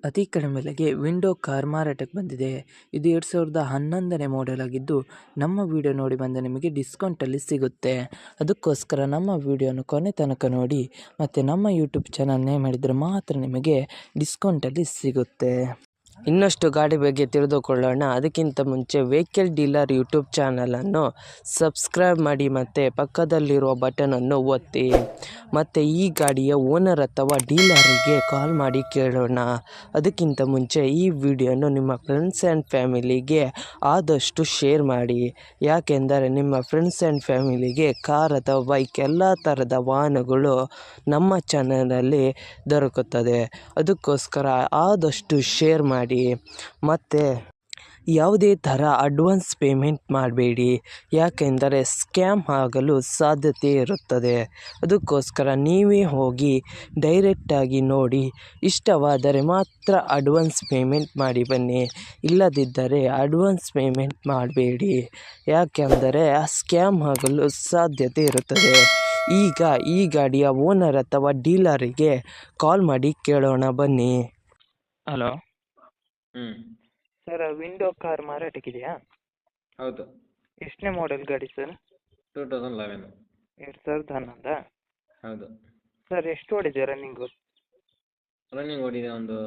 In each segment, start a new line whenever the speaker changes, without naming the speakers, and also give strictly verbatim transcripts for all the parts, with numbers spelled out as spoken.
ಅತಿ ಕಡಿಮೆ ಬೆಲೆಗೆ ವಿಂಡೋ ಕಾರ್ ಮಾರಾಟಕ್ಕೆ ಬಂದಿದೆ. ಇದು ಎರಡು ಸಾವಿರದ ಹನ್ನೊಂದನೇ ಮಾಡೆಲ್ ಆಗಿದ್ದು, ನಮ್ಮ ವಿಡಿಯೋ ನೋಡಿ ಬಂದ ನಿಮಗೆ ಡಿಸ್ಕೌಂಟಲ್ಲಿ ಸಿಗುತ್ತೆ. ಅದಕ್ಕೋಸ್ಕರ ನಮ್ಮ ವಿಡಿಯೋನ ಕೊನೆ ತನಕ ನೋಡಿ ಮತ್ತು ನಮ್ಮ ಯೂಟ್ಯೂಬ್ ಚಾನಲ್ ನೇಮ್ ಮಾಡಿದರೆ ಮಾತ್ರ ನಿಮಗೆ ಡಿಸ್ಕೌಂಟಲ್ಲಿ ಸಿಗುತ್ತೆ. ಇನ್ನಷ್ಟು ಗಾಡಿ ಬಗ್ಗೆ ತಿಳಿದುಕೊಳ್ಳೋಣ. ಅದಕ್ಕಿಂತ ಮುಂಚೆ ವೆಹಿಕಲ್ ಡೀಲರ್ ಯೂಟ್ಯೂಬ್ ಚಾನಲನ್ನು ಸಬ್ಸ್ಕ್ರೈಬ್ ಮಾಡಿ ಮತ್ತು ಪಕ್ಕದಲ್ಲಿರುವ ಬಟನನ್ನು ಒತ್ತಿ. ಮತ್ತು ಈ ಗಾಡಿಯ ಓನರ್ ಅಥವಾ ಡೀಲರಿಗೆ ಕಾಲ್ ಮಾಡಿ ಕೇಳೋಣ. ಅದಕ್ಕಿಂತ ಮುಂಚೆ ಈ ವಿಡಿಯೋನು ನಿಮ್ಮ ಫ್ರೆಂಡ್ಸ್ ಆ್ಯಂಡ್ ಫ್ಯಾಮಿಲಿಗೆ ಆದಷ್ಟು ಶೇರ್ ಮಾಡಿ. ಯಾಕೆಂದರೆ ನಿಮ್ಮ ಫ್ರೆಂಡ್ಸ್ ಆ್ಯಂಡ್ ಫ್ಯಾಮಿಲಿಗೆ ಕಾರ್ ಅಥವಾ ಬೈಕ್ ಎಲ್ಲ ಥರದ ವಾಹನಗಳು ನಮ್ಮ ಚಾನಲಲ್ಲಿ ದೊರಕುತ್ತದೆ. ಅದಕ್ಕೋಸ್ಕರ ಆದಷ್ಟು ಶೇರ್ ಮಾಡಿ. ಮತ್ತು ಯಾವುದೇ ಥರ ಅಡ್ವಾನ್ಸ್ ಪೇಮೆಂಟ್ ಮಾಡಬೇಡಿ, ಯಾಕೆಂದರೆ ಸ್ಕ್ಯಾಮ್ ಆಗಲು ಸಾಧ್ಯತೆ ಇರುತ್ತದೆ. ಅದಕ್ಕೋಸ್ಕರ ನೀವೇ ಹೋಗಿ ಡೈರೆಕ್ಟಾಗಿ ನೋಡಿ, ಇಷ್ಟವಾದರೆ ಮಾತ್ರ ಅಡ್ವಾನ್ಸ್ ಪೇಮೆಂಟ್ ಮಾಡಿ ಬನ್ನಿ. ಇಲ್ಲದಿದ್ದರೆ ಅಡ್ವಾನ್ಸ್ ಪೇಮೆಂಟ್ ಮಾಡಬೇಡಿ, ಯಾಕೆಂದರೆ ಆ ಸ್ಕ್ಯಾಮ್ ಆಗಲು ಸಾಧ್ಯತೆ ಇರುತ್ತದೆ. ಈಗ ಈ ಗಾಡಿಯ ಓನರ್ ಅಥವಾ ಡೀಲರಿಗೆ ಕಾಲ್ ಮಾಡಿ ಕೇಳೋಣ ಬನ್ನಿ. ಹಲೋ
ಹ್ಞೂ
ಸರ್, ವಿಂಡೋ ಕಾರ್ ಮಾರಾಟಕ್ಕಿದೆಯಾ?
ಹೌದು.
ಎಷ್ಟನೇ ಮಾಡೆಲ್ ಗಾಡಿ ಸರ್?
Two thousand eleven.
ಎರಡು ಸಾವಿರದ ಹನ್ನೊಂದಾ?
ಹೌದು.
ಸರ್, ಎಷ್ಟು ಓಡಿದೆ ರನ್ನಿಂಗು?
ರನ್ನಿಂಗ್ ಓಡಿದೆ ಒಂದು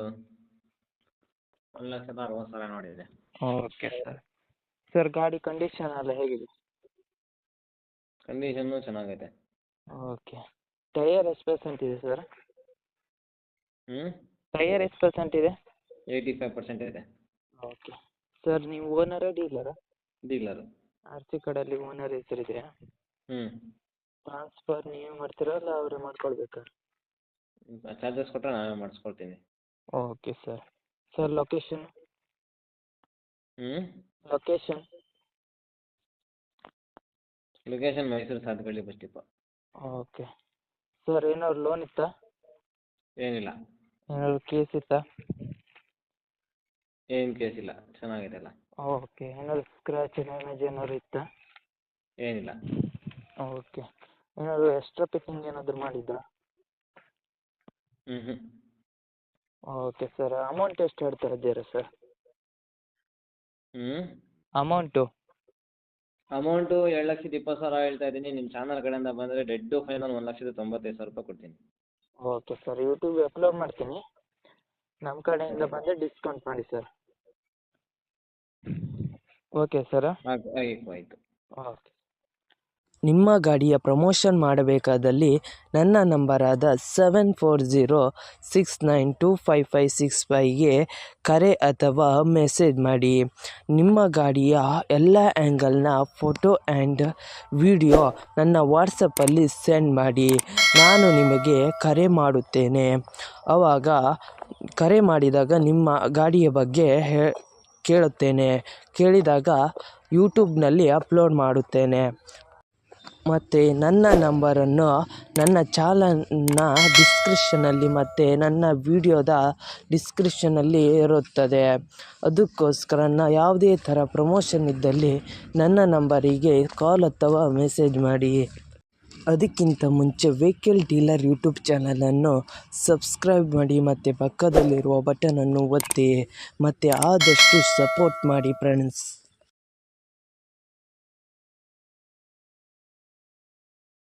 ಒಂದು ಲಕ್ಷದ ಅರವತ್ತು ಸಾವಿರ ನೋಡಿದೆ.
Okay sir. ಸರ್, ಗಾಡಿ ಕಂಡೀಷನ್ ಎಲ್ಲ ಹೇಗಿದೆ?
ಕಂಡೀಷನ್ನು ಚೆನ್ನಾಗೈತೆ.
ಓಕೆ. ಟೈಯರ್ ಎಷ್ಟು ಪರ್ಸೆಂಟ್ ಇದೆ ಸರ್?
ಹ್ಞೂ
ಟೈಯರ್ ಎಷ್ಟು ಪರ್ಸೆಂಟ್ ಇದೆ?
ಏಯ್ಟಿ ಫೈವ್ ಪರ್ಸೆಂಟ್ ಇದೆ.
ಓಕೆ. ಸರ್, ನೀವು ಓನರಾ ಡೀಲರಾ?
ಡೀಲರು.
ಆರ್ ಸಿ ಕಾರ್ಡಲ್ಲಿ ಓನರ್ ಹೆಸರಿದೆಯಾ?
ಹ್ಞೂ
ಟ್ರಾನ್ಸ್ಫರ್ ನೀವೇ ಮಾಡ್ತೀರಾ ಅಲ್ಲ ಅವರೇ ಮಾಡ್ಕೊಳ್ಬೇಕಾ?
ಚಾರ್ಜಸ್ ಕೊಟ್ಟರೆ ನಾವೇ ಮಾಡಿಸ್ಕೊಳ್ತೀನಿ.
Okay sir. Sir, location?
ಹ್ಞೂ
location?
Location Mysore Sathagalli bus depot.
Okay. Sir, ಏನಾದ್ರು ಲೋನ್ ಇತ್ತಾ?
ಏನಿಲ್ಲ.
ಏನಾದ್ರು ಕೇಸ್ ಇತ್ತಾ?
ಏನು ಕೇಸ್ ಇಲ್ಲ, ಚೆನ್ನಾಗಿದೆ ಅಲ್ಲ.
ಓಕೆ. ಏನಾದ್ರು ಸ್ಕ್ರ್ಯಾಚ್ ಡ್ಯಾಮೇಜ್ ಏನಾದ್ರು ಇತ್ತಾ?
ಏನಿಲ್ಲ.
ಓಕೆ. ಏನಾದ್ರು ಎಕ್ಸ್ಟ್ರಾ ಪಿಕ್ಕಿಂಗ್ ಏನಾದರೂ ಮಾಡಿದ್ರಾ?
ಹ್ಞೂ ಹ್ಞೂ
ಓಕೆ ಸರ್. ಅಮೌಂಟ್ ಎಷ್ಟು ಹೇಳ್ತಾ ಇದ್ದೀರಾ ಸರ್?
ಹ್ಞೂ
ಅಮೌಂಟು?
ಅಮೌಂಟು ಎರಡು ಲಕ್ಷದ ಇಪ್ಪತ್ತು ಸಾವಿರ ಹೇಳ್ತಾ ಇದ್ದೀನಿ. ನಿಮ್ಮ ಚಾನಲ್ ಕಡೆಯಿಂದ ಬಂದರೆ ಡೆಡ್ಡು ಫೈನಲ್ ಒಂದು ಲಕ್ಷದ ತೊಂಬತ್ತೈದು ಸಾವಿರ ರೂಪಾಯಿ ಕೊಡ್ತೀನಿ.
Okay sir. ಯೂಟ್ಯೂಬ್ಗೆ ಅಪ್ಲೋಡ್ ಮಾಡ್ತೀನಿ. ನಮ್ಮ ಕಡೆಯಿಂದ ಬಂದರೆ ಡಿಸ್ಕೌಂಟ್ ಮಾಡಿ ಸರ್. Okay sir.
ಆಯ್ತು ಆಯಿತು ಆಯಿತು.
ಓಕೆ. ನಿಮ್ಮ ಗಾಡಿಯ ಪ್ರಮೋಷನ್ ಮಾಡಬೇಕಾದಲ್ಲಿ ನನ್ನ ನಂಬರಾದ seven four zero six nine two five five six ಫೈವ್ಗೆ ಕರೆ ಅಥವಾ ಮೆಸೇಜ್ ಮಾಡಿ. ನಿಮ್ಮ ಗಾಡಿಯ ಎಲ್ಲ ಆ್ಯಂಗಲ್ನ ಫೋಟೋ ಆ್ಯಂಡ್ ವಿಡಿಯೋ ನನ್ನ ವಾಟ್ಸಪ್ಪಲ್ಲಿ ಸೆಂಡ್ ಮಾಡಿ. ನಾನು ನಿಮಗೆ ಕರೆ ಮಾಡುತ್ತೇನೆ. ಆವಾಗ ಕರೆ ಮಾಡಿದಾಗ ನಿಮ್ಮ ಗಾಡಿಯ ಬಗ್ಗೆ ಹೇ ಕೇಳುತ್ತೇನೆ. ಕೇಳಿದಾಗ ಯೂಟ್ಯೂಬ್ನಲ್ಲಿ ಅಪ್ಲೋಡ್ ಮಾಡುತ್ತೇನೆ. ಮತ್ತು ನನ್ನ ನಂಬರನ್ನು ನನ್ನ ಚಾನಲ್ನ ಡಿಸ್ಕ್ರಿಪ್ಷನಲ್ಲಿ ಮತ್ತು ನನ್ನ ವಿಡಿಯೋದ ಡಿಸ್ಕ್ರಿಪ್ಷನಲ್ಲಿ ಇರುತ್ತದೆ. ಅದಕ್ಕೋಸ್ಕರ ನಾ ಯಾವುದೇ ಥರ ಪ್ರಮೋಷನ್ ಇದ್ದಲ್ಲಿ ನನ್ನ ನಂಬರಿಗೆ ಕಾಲ್ ಅಥವಾ ಮೆಸೇಜ್ ಮಾಡಿ. ಅದಕ್ಕಿಂತ ಮುಂಚೆ ವೆಹಿಕಲ್ ಡೀಲರ್ ಯೂಟ್ಯೂಬ್ ಚಾನಲನ್ನು ಸಬ್ಸ್ಕ್ರೈಬ್ ಮಾಡಿ ಮತ್ತು ಪಕ್ಕದಲ್ಲಿರುವ ಬಟನನ್ನು ಒತ್ತಿ ಮತ್ತು ಆದಷ್ಟು ಸಪೋರ್ಟ್ ಮಾಡಿ ಫ್ರೆಂಡ್ಸ್.